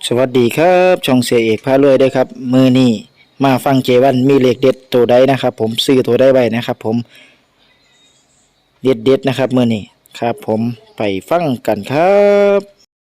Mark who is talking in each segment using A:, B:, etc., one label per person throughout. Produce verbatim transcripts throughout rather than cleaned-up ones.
A: สวัสดีครับช่องเสียเอกพารวยด้วยครับมือนี้มาฟังเจวันมีเลขเด็ดตัวใดนะครับผมซื้อตัวใดไว้นะครับผมเด็ดเด็ดนะครับมือนี้ครับผมไปฟังกันครับ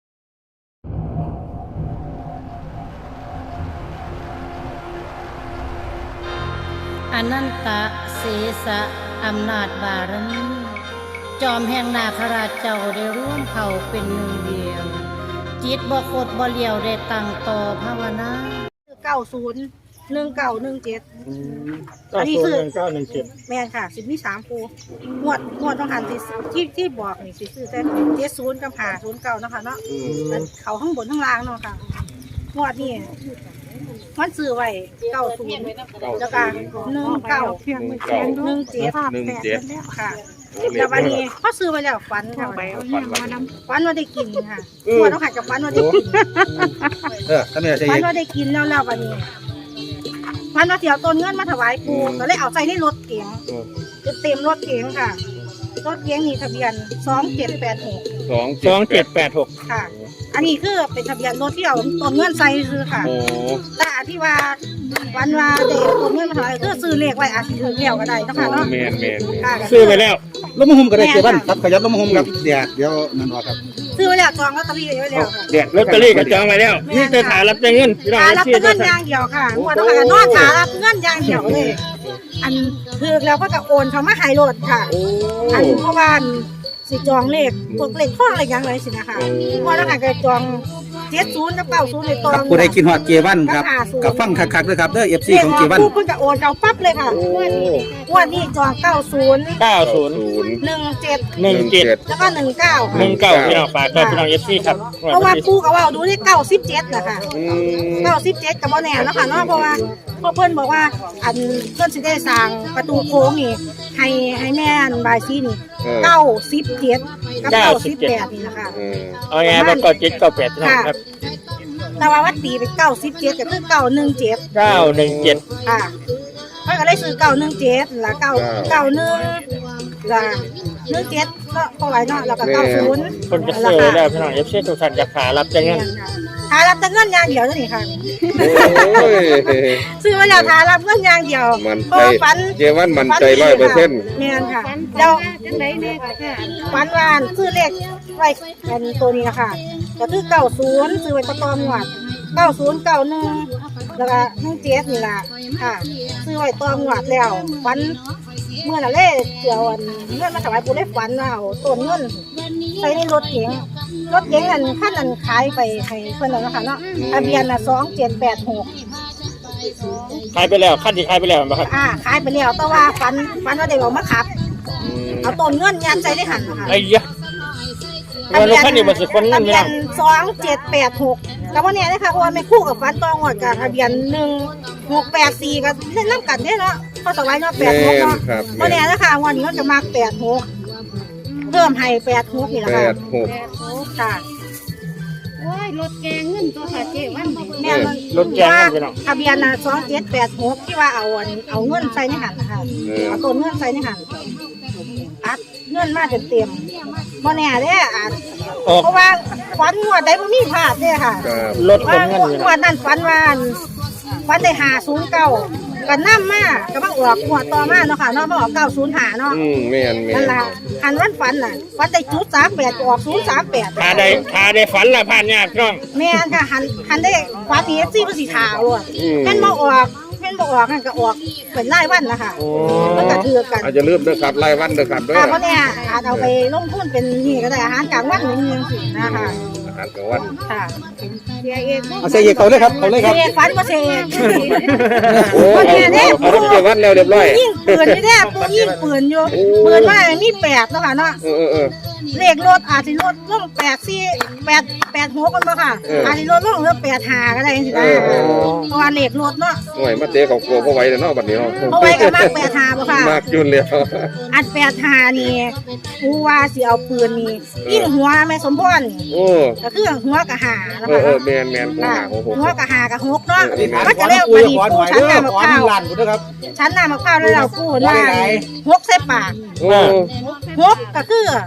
B: อนันตะเสสะอำนาจบารมีจอมแห่งนาคราชเจ้าได้ร่วมเผ่าเป็นหนึ่งเดียวจิตบ่คดบ่เลียวได้ตั้งต่อภาวนา
C: เก้าศูนย์หนึ่งเก้าหนึ่งเจ็ด
D: เก้าศูนย์หนึ่งเก้าหนึ่งเจ็ด
C: แม่นค่ะสิบมีสามคูงวดงวดต้องหันที่ที่ที่บอกนี่สิซื้อแต่เจ็ดศูนย์กับหาศูนย์เก้าเนาะค่ะเนาะมันเขาข้างบนข้างล่างเนาะค่ะงวดนี่มันซื้อไว้เก้าศูนย์แล้วก็หนึ่งเก้าหนึ่งเจ็ด
E: หนึ่งเจ็ด
C: ค่ะแต่วันนี้เขาซื้อไว้แล้วฝันค่ะฝันว่าได้กินค่ะงวดต้องหันกับฝันว่าได้กิน
E: เออถ้าไม่ใช่
C: ฝันว่าได้กินแล้วแล้ววันนี้ฝันว่าเดี๋ยวต้นเงินมาถวายปูก็เลยเอาใจในรถเก๋งเต็มรถเก๋งค่ะรถเก๋งนี่ทะเบียนสองเจ็ดแปดหก
E: สอง
D: สองเจ็ดแปดหก
C: ค่ะ อันนี้คือเป็นทะเบียนรถที่เอาต้นเงินใส่คือค่ะ
E: โอ้
C: แต่อันที่ว่าวันว่าเด็กต้นเงินมาถวายคือซื้อเลขไว้อาจจะถือเลี้ยวก็ได้เนาะค่ะเนาะ
E: แมนแมน
C: ค่ะ
D: ซื้อไปแล้ว
F: ลงมาหุ้มก็ได้เจ็บบ้านครับขยับลงมาหุ้มครับเดี๋ยวเดี๋ยวนั่นว่าครับ
C: ซื้อไว้แล้วจองลอตเตอรี่ไว้แล้วค่ะ
D: เดี๋ยวลอตเตอรี่ก็จองไว้แล้วนี่จะถ่ายรับแต่เงินพี่น้อง
C: หารับ
D: ชื่อ
C: เงิ
D: จะ
C: นอย่างเดียวค่ะงวดต้องหานอนหารับเงินอย่างเดียวเลย อันคือแล้วก็จะโอนเขามาหายรถค่ะ อันเพราะว่าสิจองเลขพวกเลขข้ออะไรอย่างไรสินะคะเพราะแล้วก็จะจองเจ็ดศูนย์กับเก้าศูนย์ในตอ
F: ครั
C: ง
F: บผู้ใดกินฮอดเจวันครับกับฟังคักๆด้วยครับเด้อเอฟซี
C: เลข
F: ของ
C: อ
F: เจ
C: อก
F: วัน
C: ปุ๊บเพิ่นก็โอนเอาปั๊บเลยค่ะงวดนี้จองเก้าศูนย์
D: เก้าศูนย์
E: ศูนย์
C: หนึ่งเจ็ด
D: หนึ่งเจ็ด
C: แล้วก็หนึ่งเก้า
D: หนึ่งเก้าพี่น้องฝากกับพี่น้องเอฟซีครับ
C: เพราะว่าปูก็ว่าดูที่เก้าสิบเจ็ดนะคะ
E: อืม
C: เก้าสิบเจ็ดกับโมแน่แล้วค่ะเนาะเพราะว่าพ่อเพิ่นบอกว่าอันเพิ่นสิได้สร้างประตูโค้งนี่ให้ให้แม่นบายซีนี่เก้าสิบเจ็ดกับเก้าสิบแปดนี่นะคะ
E: เออ
D: เอาไงมาก็เจ็ดเก้าแปดพี่น้องครับ
C: แต่ว่าวัดตีเป็นเก้าสิบเจ็ดก็คือเก้าหนึ่งเจ็ด
D: เก้าหนึ่งเจ็ด
C: ค่ะเพิ่นก็เลยซื้อเก้าหนึ่งเจ็ดละเก้าเก้าหนึ่งละหนึ่งเจ็ดก็พอไหวเนาะแล้วก็เก้าศูนย์
D: คนจะซื้อแล้วพี่น้องเอฟซีทุกท่านจะขารับแต่เงิน
C: หารับแต่เงินอย่างเดียวนี่ค่ะ
E: โอ้ย
C: ซื้อมาแล้วหารับเงินอย่างเดียว
E: มัน
C: เพ
E: ใจ
C: ราะว่าฝัน
E: เจวันมันใจร้อยเปอร์เซ็นต์
C: แม่นค่ะแล้วฝันวานซื้อเลขไว้เป็นตัวนี้นะคะก็คือเก้าศูนย์ซื้อไว้ประตอมหวดเก้าศูนย์เก้าหนึ่งแล้วก็หนึ่งเจ็ดนี่ล่ะค่ะ ซื้อไว้ตอมหวดแล้วฝันเมื่อน่ะเล่เกี่ยวอันเงินมาถวายปู่ได้ฝันเอาต้นเงินใส่ในรถเก๋งรถเก๋งอันขั้นนั้นขายไปให้เพิ่นแล้วนะคะเนาะทะเบียนน่ะสองเจ็ดแปดหก
D: ขายไปแล้วขั้นที่ขายไปแล้วนะครับ
C: อ่าขายไปแล้วแต่ว่าฝันฝันว่าได้ออกมาขับ เอาต้นเงินยัดใจได้หันค่ะ
D: ไอ้ยะวันนี้ขั้นนี้มันสิคนเงิน
C: ทะ
D: พี่
C: เบีย
D: น้อน ง
C: สองเจ็ดแปดหกกับว่าเนี่ยนะคะเพราะว่าไม่คู่กับฝันตองหวดกับทะเบียนหนึ่งหกแปดสี่กับเล่นน้ำกันเนี่ยเนาะพอสบายเนาะแปดหกเนาะ
E: ครับ
C: วันนี้นะคะวันนี้ก็จะมาแปดหกเพิ่มให้แปดหกนี่แหละ
E: แป
C: ค่ะ
E: ดหก
C: ค่ะ
B: โอ้ยรถแกงเงินตัวค่ะเจ๊วันนี้
C: แม่มัน
D: รถแกงเงินพี่น้อง
C: ทะเบียนนะสองเจ็ดแปดหกที่ว่าเอาอันเอาเงินใส่ในหันนะคะเอาต้นเงินใส่ในหันอัดเงินมาเต็มๆบ่แน่เด้อาจ
D: ออก
C: เพราะว่าฝันงวดใดบ่มีพลาดเด้ค่ะ
E: ครับ
D: รถคน
C: ว่า
D: เงินพี่
C: ง
D: น้
C: ว
D: อง
C: ดนั้นฝันว่าฝันได้หาศูนย์เก้าก็นำมาก็มาออกงวดต่อมาเนาะค่ะเนาะมาออกเก้าศูนย์ห้าเนาะ
E: อืมแมนแม
C: นั่
E: น
C: นล่ะอันวันฝันน่ะฝันได้จุดสามแปดก็ออกศูนย์สามแปด
D: ขาได้ขาได้ฝันละผ่านยากพี่น้อง
C: แม่นค่ะหันหันได้ฝันนี้ซี่บ่สิถาวอ่ะ
E: อืม
C: แม่นบ่ออกแม่นบ่ออกนั่นก็ออกเป็นรายวันนะคะ
D: โอ้
C: มันก็ถือกัน
E: อาจจะลืมด้วยครับรายวันด้วยครับด้วย
C: อ่าเพราะเนี่ยอาจเอาไปลงทุนเป็นนี่ก็ได้อาหารกลางวันอย่างนี้สินะคะ
E: อาหารกลางวัน
C: ค่ะ
F: เอาเสียเอกเขาเลยครับเขาเลยครับ
C: เสกฝันบ่เสก
E: โอ้เอาเอาเอาเจวันแล้วเรียบร้อย
C: ยิงปืนอยู่แน่ปูยิงปืนอยู่ปืนว่ามีแปดเนาะค่ะเนาะ
E: เออเออเออ
C: เลขรถอาจสิลดลงแปดสี่แปดแปดหกกันบ่ค่ะ
E: เอออ
C: อาจสิลดลงเหลือแปดห้าก็ได้จังซี่นะ
E: เออเออ
C: เพราะว่าเลขรถเนาะ
E: หน่วยมาเตะของกลัวเพราะไว้แล้วเนาะบัดนี้เนาะ
C: เพราะไว้ก็มากแปดห้าบ่ค่ะ
E: มากจุนเลย
C: อันแปดห้านี่ผู้ว่าสิเอาปืนนี่ยิงหัวแม่สมพรนี่
E: โอ้
C: ก็คือหัวกะหานะ
E: เอ
C: คะ
E: อเออแมนแมนหัว
C: ค่ะ
E: หาหัวหก
C: หัวกะหากะหกเนาะ
E: เออ
C: ก็จะเรียก
F: คุ
C: ว่าย ดี
F: ขอห
C: ปู
F: น่อย
C: ชั้น
F: เด้อ
C: น้ำมะ
F: ขอ
C: พร้า
F: หนึ่
C: ว
F: งล้านกูด้วยครับ
C: ชั้นน้ำมะพร้าวแล้วเราพูดว่าหกใส่ปาก
E: โอ้
C: หกก็คือ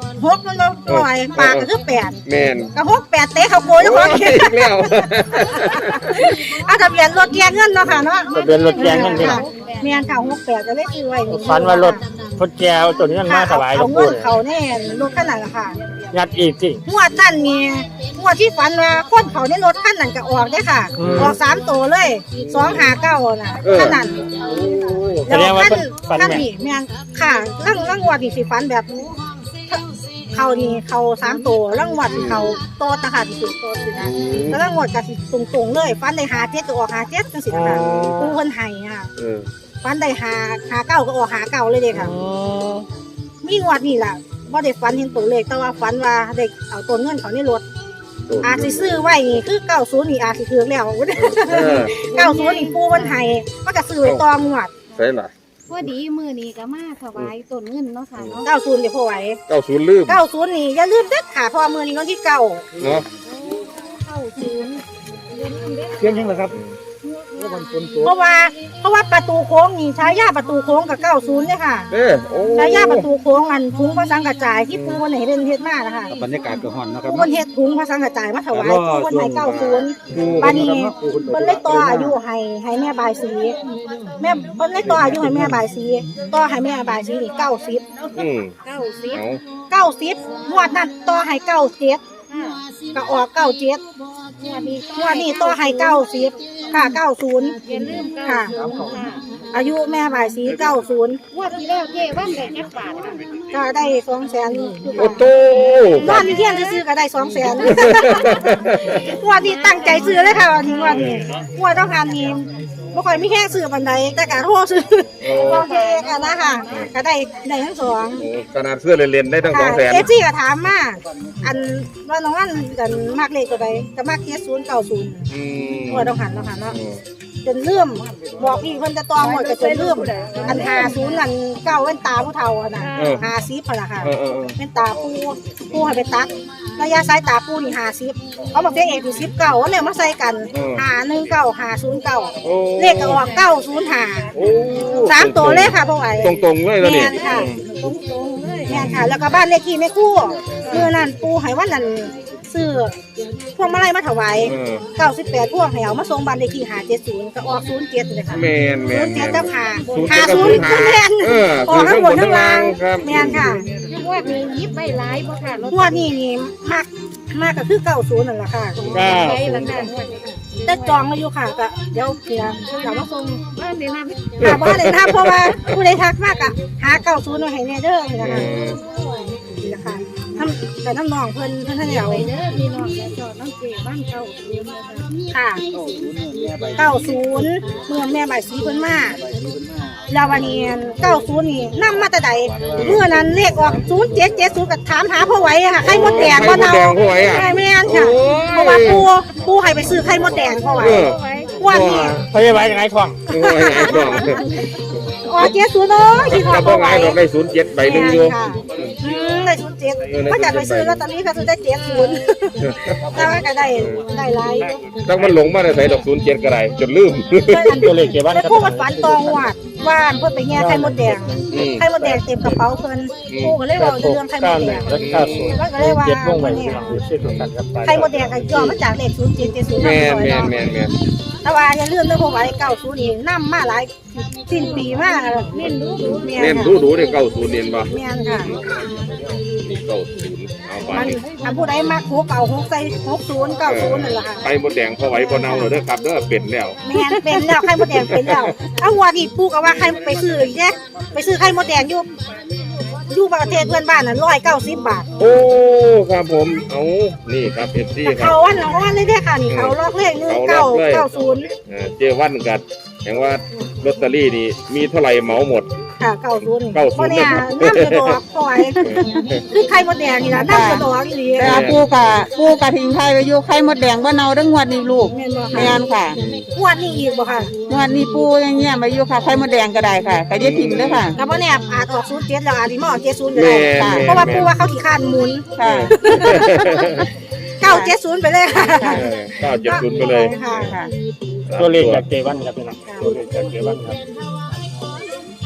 C: หกมันบ่ปล่อยปากก็คือแปด
E: แม่น
C: ก็หกแปดเตะเขาโกยเจ้าของ
E: อีกแล้ว
C: เอาทะเบียนรถแกเงินเนาะค่ะเนาะ
D: ทะเบียนรถแกงนั่นพี่น้อง
C: เมียนค่ะหกแปดก็เลยซื้อไว้
D: ฝันว่ารถพดแก้วตัวนี้มันมาถวายหลว
C: เอา
D: ง
C: เงิ
D: ปู่
C: น
D: เลย
C: เขาแน่รถคันนั้นล่ะค่ะ
D: ยัดอีกสิ
C: งวดนั่นมีงวดที่ฝันว่าคนเขาในรถคันนั้นก็ออกได้ค่ะ ออกสามตัวเลยสองหาเก้าน่ะคันนั้น
D: แสดงว่าเป็นฝัน
C: คัน
D: แม่
C: นี้แม่งค่ะร่างร่างงวดนี่สิฝันแบบเขานี่เขาสามตัวร่างงวดนี่เขาโตตะค่ะที่สุดโตสินะแล้วร่างงวดก็สิตรงๆเลยฝันได้หาเจ็ดก็ออกหาเจ็ดจังสินะคะปูเพิ่นให้อ่ะ
E: เออ
C: ฝันได้หาหาเก้าก็ออกหาเก้าเลยเด้ค่ะ มีงวดนี่ล่ะบ่ได้ฝันเห็นตัวเลขแต่ว่าฝันว่าได้เอาต้นเงินเขาในรถอาจสิซื้อไว้นี่คือเก้าสิบนี่อาจสิถือแล้ว
E: เออ
C: เก้าสิบนี่ปูมันให้มันก็ซื้อไว้ต่องวด
E: ใช่ล่ะ
G: พอดีมือนี้ก็มาถวายต้นเงินเนาะค่ะเนาะ
C: เก้าสิบเดี๋ยวพอไหว
E: เก้าศูนย์ลืม
C: เก้าสิบนี่อย่าลืมเด็ดขาดเพราะว่ามื้อนี้วันที่เก้า
E: เนาะ
G: เข้าศูนย์เล่นเล่น
F: เพียงยังเหรอครับ
C: เพราะว่าเพราะว่าประตูโค้งนี่ใช้ย่าประตูโค้งกับเก้าสิบเนี่ยค่ะ
E: เด้อโอ้
C: ใช้ย่าประตูโค้งอันถุงพระสังกระจายที่ปูวันไหนเป็นเฮ็ดมานะคะ
F: บรรยากาศก็ฮ้อนนะครับ
C: ปูวันเฮ็ดถุงพระสังกระจายมาถวายปูวันไหนเก้าสิบ
E: ปู
C: ปานนี้เพิ่นเลยต่ออายุให้ให้แม่บายสีแม่เพิ่นเลยต่ออายุให้แม่บายสีต่อให้แม่บายสีนี่เก้าสิบ
E: อืม
G: เก้าสิบ
E: เอา
C: เก้าสิบงวดนั้นต่อให้เก้าเจ็ดก็ออกเก้าเจ็ด
G: งวดนี้
C: งวดนี้ต่อให้เก้าสิบค่ะเก้าศูนย์
G: อย่าลืมเก้า
C: ค่ะ
G: ค่ะ
C: อายุแม่บายสีเก้าศูนย์
G: งวดที่แล้วเจ๊ว่านได้จักบาทค่ะ
C: ก็ได้สองแสน
E: โอ้โต
C: นอนอยู่เที่ยงซื้อๆก็ได้สองแสนงวดนี้ตั้งใจซื้อเลยค่ะวันนี้งวดนี้งวดต้องการนี้บ่ค่อยมีแค่ซื้อบันไดแต่การโทรซื้อโอเคกันนะค่ะก็ได้ได้ทั้งสอง
E: โอ้ขนาดเสื้อเรียนๆได้ตั้งสองแสน
C: เอฟซีก็ถามมาอันว่าน้องอันกันมากเลขตัวใดก็มากเจ็ดศูนย์เก้าศูนย์
E: อืม
C: งวดต้องหันต้องหันเนาะจนเลื่อมบอกพี่เพิ่นจะตองหมดก็จนเลื่อมอันหาศูนย์อันเก้าแว่นตาผู้เฒ่าอะน่ะหาซีพนล่ะค่ะ
E: เออเออเออ
C: แว่นตาปูปูให้ไปตัดระยะสายตาปูนี่หาซิปเขาบอกเสียงเอกคือซิปเก่าแล้วมาใส่กันหาหนึ่งเก้าหาศูนย์เก้า
E: โอ้
C: เลขก็ออกเก้าศูนย์หา
E: โอ้
C: สามตัวเลขค่ะพวกไอ้
E: ตรงๆเลยแล้ว
C: แม
E: นี่
C: นค่ะตรงๆเลยแมนค่ะ แล้วก็บ้านเลขที่แม่คู่เมื่อนั้นปูให้วันนั้นซื้อพวงมาลัยมาถวาย
E: เออ
C: เก้าสิบแปดพวงให้เอามาส่งบ้านเลขที่หาเจ็ดศูนย์ก็ออกศูนย์เจ็ดเลยค่ะ
E: แมนแม
C: ศู
E: น
C: นย์
E: แม
C: เจ็ด
E: น
C: เจ้าค่ะ
E: ศูนย์
C: หา
E: เจ็ดกับ
C: ศูนย์
E: ศูนย์
C: ขึ้นแทน
E: เออ
C: ออกทั้งหมดทั้งราง
E: ครับ
C: แมนค่ะ
G: งวดนี้ยิบใบหลายบ่ค่ะรถ
C: งวดนี้นี่มากมากก็คือเก้าศูนย์นั่นแหละค่ะ
D: เก้า
G: ใช้ละค่ะงวดนี้ค่ะ
C: แต่จองมาอยู่ค่ะก็เดี๋ยวเดี๋ยวเดี๋ยวมาส่ง
G: บ้านเดี๋ยวนะ
C: หาบ้านเลยนะเพราะว่าผู้ใดทักมากอะหาเก้าศูนย์มาให้แน่เด้อนี่นะคะนี่นะคะทำแต่น้ำนองเพิ่นเพิ่นท่านเดียว
G: ไปเด้อพี่น้องและจอดน้องเจ๊บ้านเก่าศูนย์นะคะ
C: ค่ะเก้าศูนย์เมื่อแม่ใบายสีเพิ่นมาแล้ววันนี้เก้าศูนย์นี่นํมาแต่ใดเมื่อนั้นเลขออกศูนย์เจ็ดเจ็ดศูนย์ก็ถามหาพ่อไหวอะค่ะไข่มดแดงบ่เนา
E: ไข่มดแดงพ่อไหวอะ
C: ใช่แม่นค่ะ
E: โอ้ย
C: เพราะว่าปูปูให้ไปซื้อไข่มดแดงพ่อไหว
E: เออ
C: วันนี้
D: พยาบาลยังไงทอง
E: โอ้ยไอ้ดอก
C: อ๋อเจ็ดศูนย์เนาะคิดว่า
E: แต่
C: พ่
E: พ่
C: อ
E: อ
C: ไหว
E: ไงดอกได้ศูนย์เจ็ดใบหนึ่งอยู่
C: ค่ะอืมได้ศูนย์เจ็ด
E: เออได้
C: เขาอยากไปซื้อ
E: ศูนย์เจ็ด
C: ลอตเตอรี่เขาซื้อได้เจ็ดศูนย์แต่ว่าก็ได้ได้หลายอยู่
E: ตั้งมันหลงมาได้ใส่ดอกศูนย์เจ็ดก็ได้จนลืม
D: ตัวเลขเกี่ยวบ้าน
C: แต่
D: ครับ
C: ผู้มันฝันตองวัดว่าเพิ่นไปแง่ไข่มดแดง
E: อืม
C: ไข่มดแดงเต็มกระเป๋าเพิ่นผู้ก็เลยบอกเรื่องไข่ม
D: เก้า
C: ด
D: ห
C: แด
D: นึ่ง
C: ง
D: และเก้าศูนย์
C: มันก็เลยว่า
D: เจ็ดวงไว้ที่หลังอยู่ชื่อตรงกันครับ
C: ไข่มดแดงก็ย่อมาจากเลขศูนย์เจ็ดเจ็ดศูนย์
E: แมนแมนแมนแมน
C: แต่ว่าอย่าลืมเรื่องพวกไว้เก้าศูนย์นี่นำมาหลายสิ้นปีมากเน้นดูดูแม่
E: เน้นดูดูเนี่ยเก้าศูนย์เน้นป่ะ
C: แม่นค่ะ
E: นี่เก้าศูนย์เอาไป
C: มันถ้าผู้ใดมักหกเก่าหกใส่หกศูนย์เก้าศูนย์นั่นแหละค่ะ
E: ไข่มดแดงพอไหวพอเน่าเลยเด้อครับเด้อเป็ดแล้ว
C: แม่นเป็นแล้วไข่มดแดงเป็นแล้วเอาวัวนี่ปูก็ว่าไข่ไปซื้ออีกเนี่ยไปซื้อไข่มดแดงอยู่อยู่ประเทศเพื่อนบ้านน่ะร้อยเก้าสิบบาท
E: โอ้ครับผมเอานี่ครับเอฟซีครับ
C: เขาวันละวันเลยเด้อค่ะนี่เขาล็อกเลขหนึ่งเก้าเก้าศูนย์
E: เอ่อเจวันกัดแห่งว่าลอตเตอรี่นี่มีเท่าไหร่เหมาหมด
C: ค่ะเก้าศูนย์
E: เก้าศูนย์
C: เนี่ยน้ำกระดอกปล่อยคือไข่มดแดงนี่นะน้ำกระดอกอีหลี
H: แต่ปูกะปูกะทิ้งไข่ไว้อยู่ไข่มดแดงบ่เน่าเด้องวดนี้ลูก
C: แม่นบ่
H: แม่นค่ะ
C: งวดนี้อีกบ่ค่ะ
H: งวดนี้ปูยังเงี้ยไว้อยู่ค่ะไข่มดแดงก็ได้ค่ะก็อย่าทิ้งเด้อค่ะ
C: แต่ว่าเนี่ยอาจออกศูนย์เจ็ดแล้วอาจสิมาออกเจ็ดศูนย์ก็
E: แม่
C: ได้
E: นแม่น
C: เพราะว่าปูว่าเขาขี้คร้านหมุน
H: ค่ะ
C: เก้าเจ็ดศูนย์ไปเลยค่ะ
E: เออเก้าเจ็ดศูนย์ไปเลย
C: ค่ะ
H: ค่ะ
D: ตัวเลขจากเจวันครับพี่น้องตัวเลขจากเจวันครับ
C: เ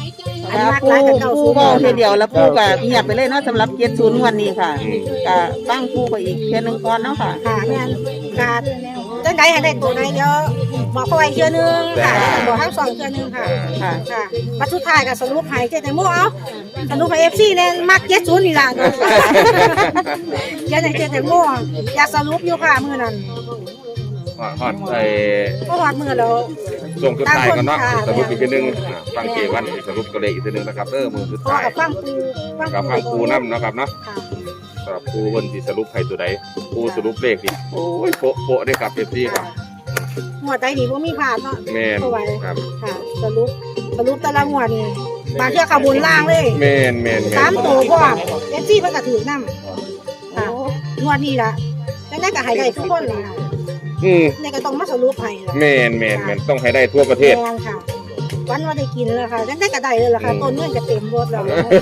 C: อันนี้มาก
H: ปู
C: หลายกับเก้า
H: ปู
C: ศูนย์
H: บอกทีเดียวแล้วปูก็เงียบไปเลยเนาะสำหรับเจ็ดศูนย์งวดนี้ค่ะก็ฟังปูไปอีกเพียงหนึ่งก่อนเนาะค่ะ
C: ค่ะแม่นการจังไดให้ได้ตัวใดเดี๋ยวบอกเขาไว้เทื่อนึงค่ะบอกทั้งสองเทื่อนึงค่ะ
H: ค่ะ
C: ค่ะมาสุดท้ายก็สรุปให้เจ๊แตงโมเอาสรุปให้ เอฟ ซี แน่มักเจ็ดศูนย์นี่ล่ะเจ๊แตงเจ๊แตงโมอยากสรุปอยู่ค่ะมื้อนั้น
E: ฮอดฮอดไอ้
C: ก็ฮอดมื้อแล้ว
E: ส่งสุดท้ายกันเนาะ
C: ค่ะ
E: สรุปอีกทีหนึงอ่าฟังเกวันอีกสรุปตัวเลขอีกทีหนึงนะครับเออมือสุด
C: พอ
E: ท้าย
C: กับฟังปู
E: กับฟังปูน้ำเนาะครับเนาะ
C: ค่ะ
E: สำหรับปูเพิ่นสิสรุปให้ตัวใดปูสรุปเลขนี่โอ้ยโปะโปะเด้อครับ เอฟ ซี ครับ
C: หมวดใดนี่บ่มีพลาดเนาะ
E: แม่น
C: เข้าไว้
E: ครับ
C: ค่ะสรุปสรุปแต่ละหมวดนี่บางเทื่อเข้าบนล่างเลย
E: แม่นแม่นแม่น
C: สามตัวพร้อม เอฟ ซี เพิ่นก็ถือนำค่ะหมวดนี้ล่ะจังได๋ก็ให้ได้ทุกคนล่ะค่ะ
E: อืม
C: นี่ก็ต้องมาสรุปให้ล่ะ
E: แม่นแม่นแม่นต้องให้ได้ทั่วประเทศ
C: แม่นค่ะ วันว่าได้กินแล้วค่ะจังได้กระไดเลยล่ะค่ะ
E: อืม
C: ต้นเงินจะเต็มรถแล้ว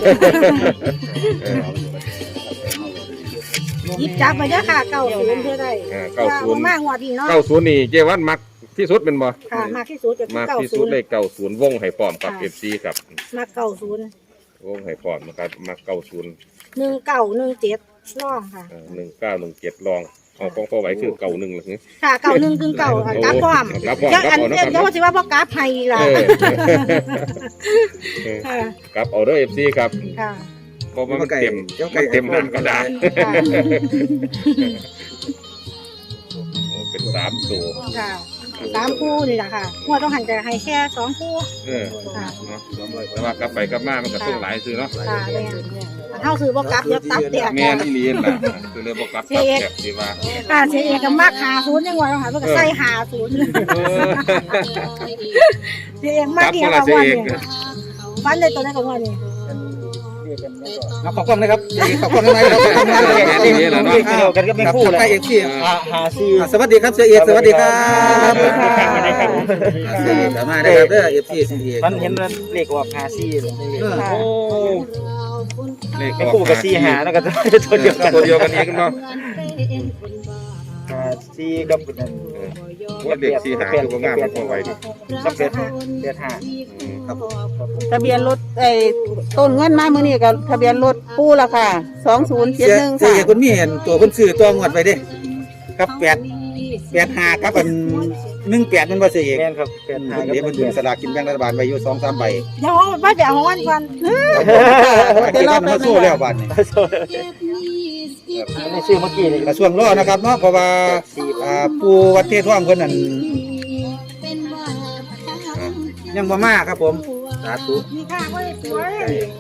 E: เออ
C: หยิบจับไปเด้อค่ะเก้าศูนย์เพื่อได้
E: เออเก้าศูนย์
C: มากงวดนี้เนาะ
E: เก้าศูนย์นี่เจวันมักที่สุดเป็นบ่
C: ค่ะมากที่สุดจะ
E: มาก
C: เก้า
E: ที่
C: ศู
E: สุด
C: นย์
E: เลขเก้าศูนย์วงให้พร้อมกับ
C: ค่ะ
E: เอฟซีครับ
C: มากเก้าศูนย์
E: วงให้พร้อมนะครับมักเก้าศูนย์
C: หนึ่งเก้าหนึ่งเจ็ดร่องค่ะ
E: หนึ่งเก้าหนึ่งเจ็ดลองเอาของพ่อไหวคือเก่าหนึ่งหรือ
C: ค่ะเก้าหนึ่งถึงเก้าค่ะกราฟพร้อม
E: กราฟพร้อม
C: เดี๋ยวอัน
E: กราฟพร้อม
C: เดี๋ยวว่าสิว่าบ่กราฟไทยล่ะ
E: เออ
C: ค่ะ
E: ครับเอาเด้อเอฟซีครับ
C: ค่ะ
E: เพราะว่ามันเต็มมันเต็มหน้ากระดาษ
C: ค่ะ
E: โอ้เป็นสามตัว
C: ค่ะสามคู่นี่แหละค่ะงวดต้องหันจะให้แค่สองคู่
E: เออ
C: ค่ะ
E: เนาะแต่ว่ากลับไปกลับมามันก็ต้องหลายซื้อเนาะ
C: ค่ะแม่อันเท่าซื้อบ่กลับเดี๋ยวตับแตก
E: แม่นอีหลีนล่ะคือเลยบ่กลับกลับแอบสิว่า
C: ค่ะเสียเอกก็มักหาศูนย์ยังว่าต้องหาเพิ่นก็ใส่หาศูนย์
E: เออ
C: เสียเอกมากเดียว
E: กลั
C: กั
E: บบ เสีย
C: วัน
E: เอก
C: นี้ฟันได้ตัวได้กับวันนี้
F: เอาขอบคุณนะครับขอบคุณอะไรครับขอบคุณนะ
A: เลขเดียวกันก็ไม่คู่เลย
F: ใกล้เอฟซี
A: อ่าหาซี
F: สวัสดีครับเสียเอกสวัสดีครับ
D: สวัสดีครับ
F: เสียเอกมาได้ครับเด้อเอฟซีเสียเอก
A: มันเห็นว่าเลขออกหาซีเลย
E: โอ้เลข
A: ไม่คู่กับซีหาแล้วก็ตัวเดียวกัน
E: ตัวเดียวกันอีกเนาะ
A: หาซีกับ
E: ว่าเด็กสีหาคือบ่งามมันพอไหวดิ
A: สักเป็ดเป็ดหา
E: อืม
F: ครับ
H: ทะเบียนรถไอ้ต้นเงินมามื้อนี้ก็ทะเบียนรถปูละค่ะสองศูนย์เจ็
F: เสี
H: ด
F: ย
H: หนึ่ง
F: เสีย
H: ค่ะ
F: เอกคุณมีเห็นตัวคนซื้อตัวงวดไปเด้ครับแปดแปดห้าครับอันหนึ่งแปดมันว่าเสียเอก
A: แม่นครับเป็ดหา
F: เดี๋ยวมันดึงสลากกินแบ่งรัฐบาลไว้อยู่สองสามใบ
C: เดี๋ยวว่าเดี๋ยวของวันก่อน
F: เดี๋ยวเรามาสู้แล้วบาทนี้
A: ในชื่อเมื่อกี้นี่
F: กระทรวงรอนะครับเนาะเพราะว่าอ่าปูวัดเทศท่วมเพิ่นนั่นยังบ่มาครับผมสาธุ
C: มีค่าก็ได้สวย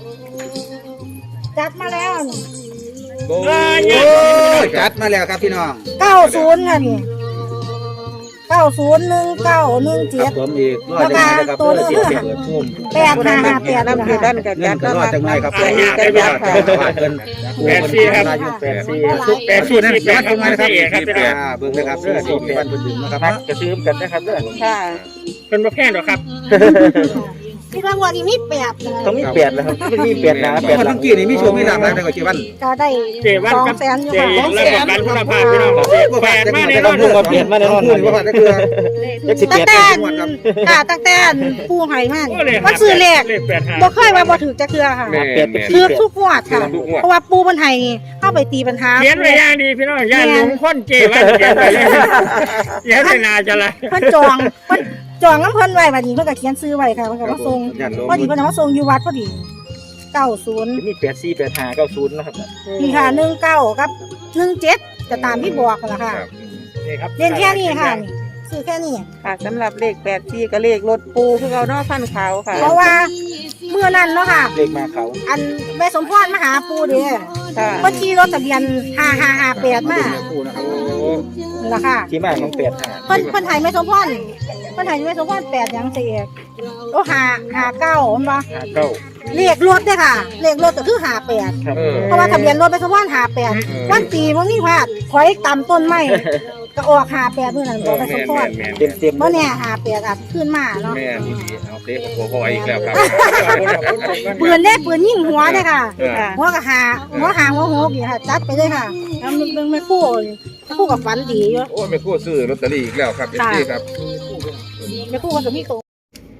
C: จัดมาแล้ว
E: โอ้
F: โอ้ยจัดมาแล้วครับพี่น้อง
C: เก้าศูนย์ค่ะนี่เก้าศูนย์หนึ่งเก้าหนึ่ง
F: ค
C: เจ็
F: รั
C: ด
F: บผมอีกรอดจังไงนะครับเพื่อเสียเสียเปิดทุ่ม
C: แปดห้าห้าแปด
H: น้ำเกลือด้านกับ
F: เงิ
H: ยั
F: น
H: ด
F: ก็
H: แล้ว
F: รอด
H: ค่ะ
F: จังไงครับ
H: อันนี้ก็ยัดค่ะ
D: แปดสี่ครับ
A: แปดซี
D: แปดสี่นั่นแปดของมันครับครับพี่น้อง
F: อ่าเบิ่งนะครับเด้อที่บ้านเพิ่นดึงนะครับ
A: นัก
F: เนาะ
A: กระซื้อกันนะครับเด้อ
H: ค่ะ
D: เป็นประเภทหรอครับ
C: ที่รางวัลนี้มีแปดนะ
A: ต้องมีแปดแล้วครับไม่มีแปดหนาแปด
F: วัน
A: หลั
F: เมื่
A: ง
F: อกี้นี่มีโชว์มีลาภได้กว่ากี่วัน
C: ก็ได้
D: เจวัน
C: สอง
D: กับ
C: แสนอยู่
D: เจ
C: ค่ะ
D: เรื่องของการคุณภาพพี่น้องแปดมาแน่นอน
A: พูดมาเปลี่ยนมาแน่นอน
F: พูดว่าได้คือ
A: เลขสิบ
C: ตั้
A: แป
C: ง
A: ด
C: แต่ค่ะตั้งแต่ผู้ให้มัน
D: โอ้เลย
C: มันซื้อเลข
D: เลขแปดห้า
C: บ่เคยว่าบ่ถือจะเคือค่ะ
E: แม่แม่
C: ถือทุกงวดค่ะ เพราะว่าปูมันให้เข้าไปตีปัญหา
D: เขียนไว้อย่างดีพี่น้องอย่าหลงคนเจวันเขียนไว้เลยเขียนไว้นาจะไร
C: เพิ่นจองเพิ่นจองน้ำเพิ่นไว้บัดนี้เพิ่นก็เขียนซื้อไว้ค่ะเพิ่นก็มาส่ง
F: ญาติโยม
C: พอดีเพิ่นเอามาส่งอยู่วัดพอดีเก้าศูนย์
A: มีแปดซีแปดหาเก้าศูนย์นะครับ
C: นี่ค่ะหนึ่งเก้ากับหนึ่งเจ็ดจะตามที่บอกกันละค่ะ
D: นี่ครับ
C: เรียนแค่นี้ค่ะนี่ซื้อแค่นี้
H: ค่ะสำหรับเลขแปดสี่กับเลขรถปูคือเราเนาะพันขาวค่ะ
C: เพราะว่าเมื่อนั้นเนาะค่ะ
A: เลขมาเขา
C: อันแม่สมพรมาหาปูเด้
H: ค่ะ
C: เพิ่นขี่รถทะเบียนห้าห้าห้าแปดมา
F: คู่นะครับ
C: นั่นล่ะค่ะ
A: ที่มาของแปดหา
C: เพิ่นเพิ่นให้แม่สมพรเพิ่นให้แม่สมพรแปดหยังสิเอกโอ้ห้าห้าเก้ามันบ่
A: หาเก้า
C: เลขรถเด้อค่ะเลขรถก็คือห้าแปด
A: ครับ
E: เออ
C: เพราะว่าทะเบียนรถแม่สมพรห้าแปดวันปีบ่มีพลาดถอยตามต้นไม้ก็ออกห้าแปดมื้อนั้นบ่แม่สมพร
E: แม่น
A: เต็มเต็ม
C: บ่แน่ห้าแปดอาจขึ้นมาเนาะ
E: แม่นอีหลีเอาเตะกับพ่อไหวอีกแล้วครับ
C: ปืนเด้ปืนยิงหัวเด้อค่ะ
E: เออ
C: หัวก็หาหัวหางหัวโหกนี่ค่ะจัดไปเลยค่ะแล้วมันมันไม่คู่ไม่คู่กับฝันดีอยู่
E: โอ้ยไม่คู่ซื้อลอตเตอรี่อีกแล้วครับเอฟซีครับ
C: ไม่คู่มันก็มีตัว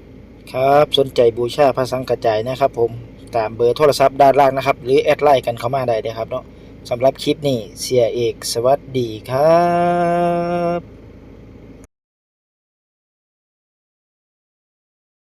A: ครับสนใจบูชาพระสังกระจายนะครับผมตามเบอร์โทรศัพท์ด้านล่างนะครับหรือแอดไลน์กันเข้ามาได้เลยครับเนาะสำหรับคลิปนี้เสียเอกสวัสดีครับ